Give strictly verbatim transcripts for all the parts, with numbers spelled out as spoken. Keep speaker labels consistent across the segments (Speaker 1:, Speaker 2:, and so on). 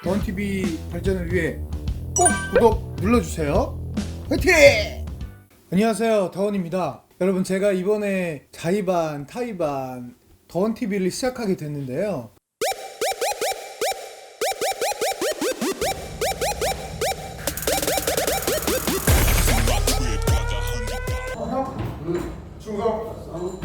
Speaker 1: 더원티비 발전을 위해 꼭 구독 눌러주세요. 화이팅! 안녕하세요, 더원입니다. 여러분, 제가 이번에 자의반, 타의반 더원티비를 시작하게 됐는데요. 충성!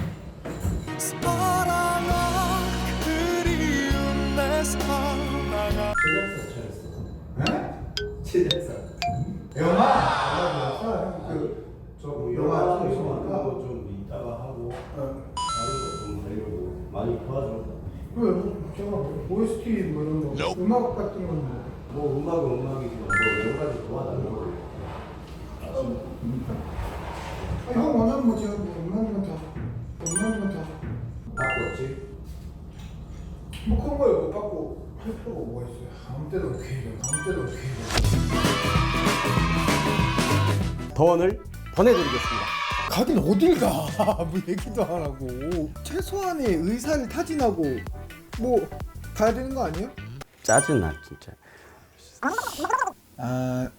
Speaker 2: 제작사.
Speaker 1: 영화? 영화 그, 저 영화
Speaker 2: 영화 좀 이따가 하고 다른 거 좀 하려고 많이 도와줘.
Speaker 1: 그 제가 오에스티 뭐 이런 거 음악 같은 건 뭐.
Speaker 2: 뭐 음악은 음악이지만 뭐 여러 가지 도와달라고.
Speaker 1: 아, 형 원하는 거 제가 뭐 음악이면 다 음악이면 다
Speaker 2: 바꿨지?
Speaker 1: 뭐 그런 거에 못 받고 할 필요가 뭐가 있어요. 아무 때나 오케이 해. 아무 때나 오케이 해.
Speaker 3: 더원을 보내드리겠습니다.
Speaker 1: 가긴 어딜 가? 뭐 얘기도 안 하고 최소한의 의사를 타진하고 뭐 가야 되는 거 아니에요?
Speaker 3: 짜증나 진짜.
Speaker 1: 아,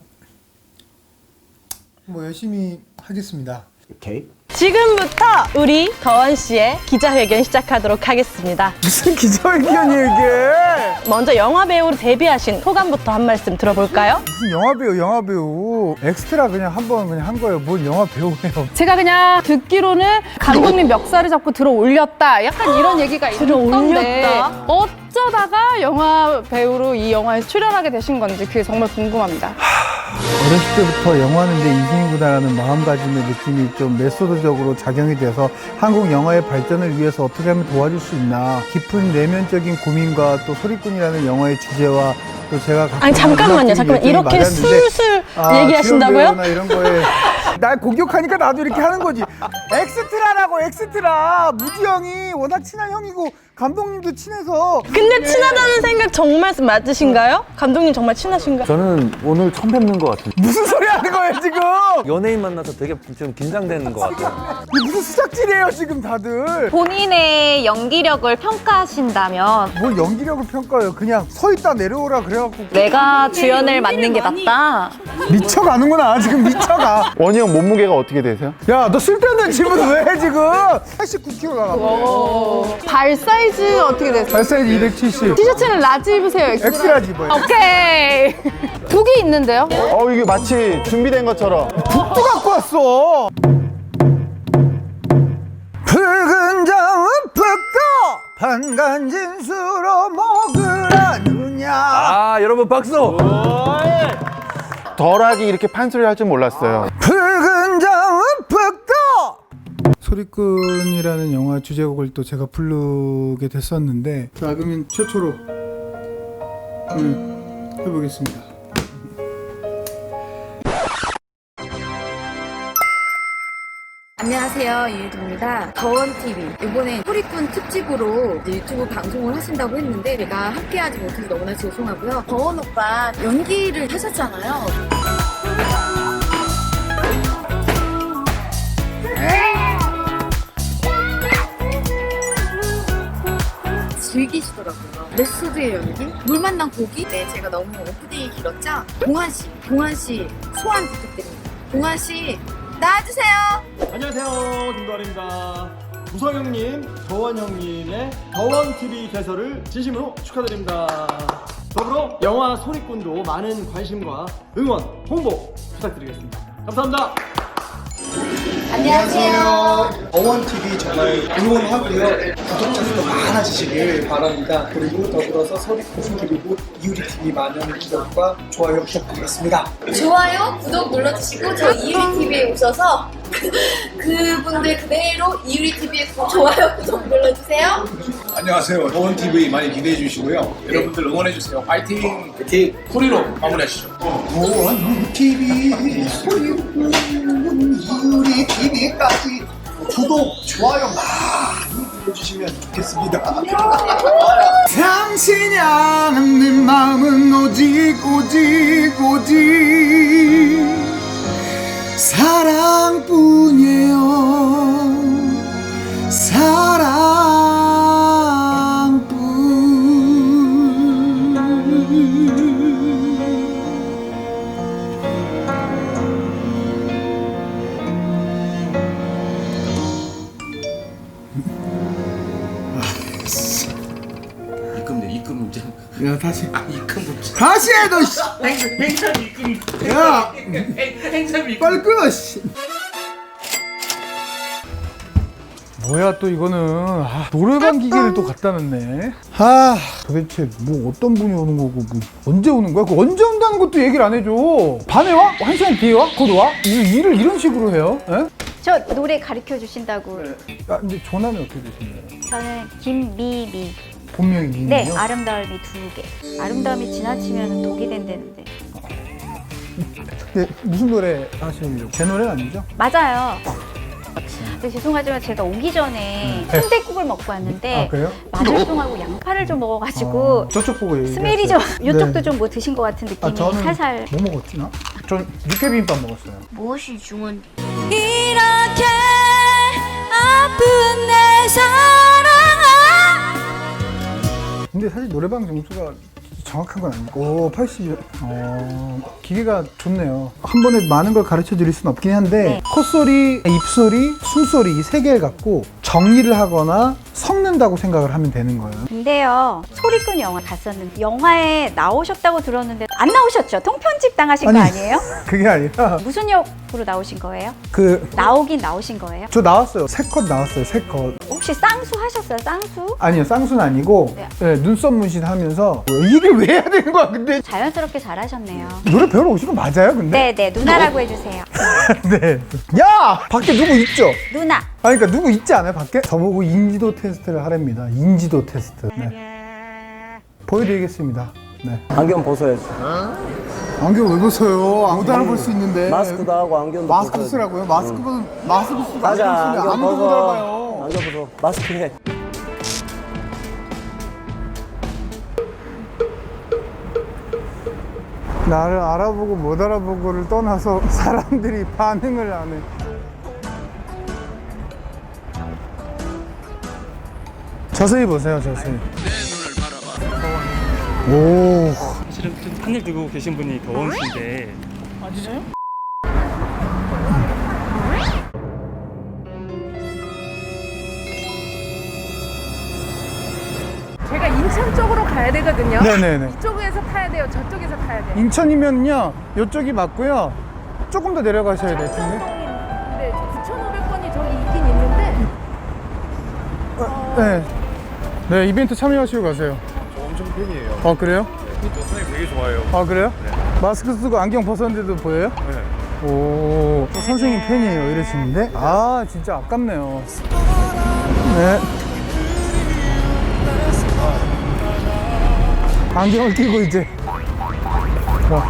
Speaker 1: 뭐 열심히 하겠습니다.
Speaker 3: 오케이.
Speaker 4: 지금부터 우리 더원 씨의 기자회견 시작하도록 하겠습니다.
Speaker 1: 무슨 기자회견이에요 이게?
Speaker 4: 먼저 영화 배우로 데뷔하신 소감부터 한 말씀 들어볼까요?
Speaker 1: 무슨 영화 배우, 영화 배우 엑스트라 그냥 한 번 그냥 한 거예요. 뭘 영화 배우예요?
Speaker 5: 제가 그냥 듣기로는 감독님 멱살을 잡고 들어 올렸다 약간 이런 얘기가
Speaker 4: 들어
Speaker 5: 있던데
Speaker 4: 올렸다?
Speaker 5: 어쩌다가 영화 배우로 이 영화에 출연하게 되신 건지 그게 정말 궁금합니다.
Speaker 1: 어렸을 때부터 영화는 내 인생이구나라는 마음가짐의 느낌이 좀 메소드적으로 작용이 돼서 한국 영화의 발전을 위해서 어떻게 하면 도와줄 수 있나 깊은 내면적인 고민과 또 소리꾼이라는 영화의 주제와 또 제가 갖고
Speaker 4: 아니
Speaker 1: 있는
Speaker 4: 잠깐만요,
Speaker 1: 음악적인
Speaker 4: 잠깐만
Speaker 1: 열정이
Speaker 4: 이렇게
Speaker 1: 맞았는데
Speaker 4: 술술
Speaker 1: 아,
Speaker 4: 얘기하신다고요?
Speaker 1: 지원 배우나 이런 거에 날 공격하니까 나도 이렇게 하는 거지. 엑스트라라고 엑스트라. 무지 형이 워낙 친한 형이고 감독님도 친해서.
Speaker 4: 근데 친하다는 생각 정말 맞으신가요? 감독님 정말 친하신가요?
Speaker 6: 저는 오늘 처음 뵙는 것 같아요.
Speaker 1: 무슨 소리 하는 거예요 지금?
Speaker 6: 연예인 만나서 되게 좀 긴장되는 것 같아요.
Speaker 1: 이게 무슨 수작질이에요 지금 다들.
Speaker 7: 본인의 연기력을 평가하신다면
Speaker 1: 뭘 연기력을 평가해요. 그냥 서 있다 내려오라 그래갖고
Speaker 7: 내가 주연을 맡는 게 낫다.
Speaker 1: 미쳐가는구나 지금 미쳐가.
Speaker 6: 원희 형 몸무게가 어떻게 되세요?
Speaker 1: 야 너 쓸데없는 질문 왜 해 지금? 팔십구 킬로그램 나가.
Speaker 5: 발 사이즈 어떻게 되세요?
Speaker 1: 발 사이즈 이백칠십.
Speaker 5: 티셔츠는 라지 입으세요? 엑스라?
Speaker 1: 엑스라지 입어요.
Speaker 5: 오케이. 북이 있는데요?
Speaker 6: 어, 이게 마치 준비된 것처럼.
Speaker 1: 북도 갖고 왔어. 붉은 장은 북도 반간진 수로 먹으라느냐.
Speaker 6: 아, 여러분 박수! 덜하게 이렇게 판소리 할 줄 몰랐어요.
Speaker 1: 붉은 장은 북도. 소리꾼이라는 영화 주제곡을 또 제가 부르게 됐었는데, 자 그러면 최초로 음, 해보겠습니다.
Speaker 8: 안녕하세요, 이유리입니다. 더원티비 이번에 소리꾼 특집으로 유튜브 방송을 하신다고 했는데 제가 함께하지 못해서 너무나 죄송하고요. 더원 오빠 연기를 하셨잖아요. 즐기시더라고요. 메소드의 연기? 물 만난 고기? 네, 제가 너무 오프닝이 길었죠? 동환씨, 동환씨 소환 부탁드립니다. 동환씨 나와주세요.
Speaker 3: 안녕하세요, 김도환입니다. 무성 형님, 더원 형님의 더원 티비 개설을 진심으로 축하드립니다. 더불어 영화 소리꾼도 많은 관심과 응원, 홍보 부탁드리겠습니다. 감사합니다.
Speaker 8: 안녕하세요.
Speaker 9: 더원티비 정말 응원하고요. 구독자 수도 많아지시길 바랍니다. 그리고 더불어서 소리꾼 그리고 이유리티비 많은 구독과 좋아요 부탁드리겠습니다.
Speaker 8: 좋아요, 구독 눌러주시고 저 이유리티비에 오셔서 그분들 그대로 이유리티비에 좋아요, 구독 눌러주세요.
Speaker 10: 안녕하세요. 더원티비 많이 기대해 주시고요. 여러분들 응원해 주세요. 파이팅! 파이팅! 소리로 마무리하시죠.
Speaker 9: 더원티비 소리꾼 이유리티비까지 구독, 좋아요 많이 눌러주시면 좋겠습니다.
Speaker 1: 당신이 아는 내 마음은 오직 오직 오직 사랑뿐이에요. 사랑뿐.
Speaker 9: 야 다시
Speaker 10: 이큰 문자.
Speaker 9: 다시 해 너. 씨.
Speaker 10: 행사 이큰.
Speaker 9: 야
Speaker 10: 행사 이큰.
Speaker 9: 빨리 끊어. 씨.
Speaker 1: 뭐야 또 이거는 아, 노래방 기계를 또 갖다 놨네. 아 도대체 뭐 어떤 분이 오는 거고 뭐 언제 오는 거야? 그 언제 온다는 것도 얘기를 안 해줘. 반에 와? 한 시간 뒤에 와? 곧 와? 이 일을 이런 식으로 해요? 에?
Speaker 11: 저 노래 가르쳐 주신다고.
Speaker 1: 아 근데 전화는 어떻게 되시나요?
Speaker 11: 저는 김미미.
Speaker 1: 본명이 미미요?
Speaker 11: 네, 아름다움이 두 개. 아름다움이 지나치면 독이 된다는데.
Speaker 1: 네, 무슨 노래 하시는지 제 노래는 아니죠?
Speaker 11: 맞아요. 근데 죄송하지만 제가 오기 전에
Speaker 1: 네.
Speaker 11: 순댓국을 먹고 왔는데
Speaker 1: 아 그래요?
Speaker 11: 마늘송하고 양파를 좀 먹어가지고
Speaker 1: 아, 저쪽 보고 얘기했어요.
Speaker 11: 스멜이 좀 이쪽도
Speaker 1: 네.
Speaker 11: 좀 뭐 드신 것 같은 느낌이
Speaker 1: 아 저는
Speaker 11: 살살.
Speaker 1: 뭐 먹었지 나? 전 육회비빔밥 먹었어요.
Speaker 8: 무엇이 중요한
Speaker 7: 이렇게 아픈 내 사랑아.
Speaker 1: 근데 사실 노래방 점수가 정확한 건 아니고 오 팔십이요? 어 기계가 좋네요. 한 번에 많은 걸 가르쳐 드릴 수는 없긴 한데
Speaker 11: 네.
Speaker 1: 콧소리, 입소리, 숨소리 이 세 개를 갖고 정리를 하거나 섞는다고 생각을 하면 되는 거예요.
Speaker 11: 근데요, 소리꾼 영화 갔었는데 영화에 나오셨다고 들었는데 안 나오셨죠? 통편집 당하신
Speaker 1: 아니.
Speaker 11: 거 아니에요?
Speaker 1: 그게 아니라
Speaker 11: 무슨 역으로 나오신 거예요?
Speaker 1: 그 저
Speaker 11: 나오긴 나오신 거예요?
Speaker 1: 나왔어요. 세 컷 나왔어요. 세 컷.
Speaker 11: 혹시 쌍수 하셨어요? 쌍수?
Speaker 1: 아니요 쌍수는 아니고
Speaker 11: 네.
Speaker 1: 네, 눈썹 문신 하면서 이게 왜 해야 되는 거야 근데
Speaker 11: 자연스럽게 잘하셨네요.
Speaker 1: 노래 배우러 오신 거 맞아요 근데?
Speaker 11: 네네, 누나라고 해주세요.
Speaker 1: 네. 야! 밖에 누구 있죠?
Speaker 11: 누나.
Speaker 1: 아니 그러니까 누구 있지 않아요 밖에? 저보고 인지도 테스트를 하랍니다. 인지도 테스트. 네. 보여드리겠습니다. 네.
Speaker 6: 안경 벗어야지.
Speaker 1: 안경 왜 벗어요? 못 알아볼 수 있는데.
Speaker 6: 마스크도 하고 안경도
Speaker 1: 마스크
Speaker 6: 벗어야지.
Speaker 1: 쓰라고요? 마스크는 마스크 쓰고
Speaker 6: 가자.
Speaker 1: 안경 쓰면
Speaker 6: 안경
Speaker 1: 아무도 못
Speaker 6: 벗어.
Speaker 1: 알아봐요.
Speaker 6: 안경 벗어. 마스크 해.
Speaker 1: 나를 알아보고 못 알아보고를 떠나서 사람들이 반응을 안 해. 자세히 보세요, 자세히. 오.
Speaker 12: 사실은 좀 하늘 두고 계신 분이 더원씨인데.
Speaker 5: 아 진짜요? 제가 인천 쪽으로 가야 되거든요.
Speaker 1: 네네네.
Speaker 5: 이쪽에서 타야 돼요? 저쪽에서 타야 돼요?
Speaker 1: 인천이면요, 이쪽이 맞고요. 조금 더 내려가셔야 될 텐데.
Speaker 5: 근데 구천오백 번이 저기 있긴 있는데.
Speaker 1: 네. 네, 이벤트 참여하시고 가세요.
Speaker 2: 저 엄청 팬이에요.
Speaker 1: 어, 그래요?
Speaker 2: 저 선생님 되게 좋아해요.
Speaker 1: 아, 그래요? 마스크 쓰고 안경 벗었는데도 보여요?
Speaker 2: 네.
Speaker 1: 오, 또 선생님 팬이에요. 이러시는데? 아, 진짜 아깝네요. 네. 안경을 끼고 이제. 와.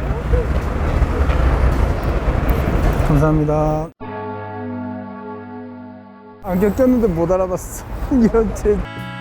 Speaker 1: 감사합니다. 안경 꼈는데 못 알아봤어. 이런 제.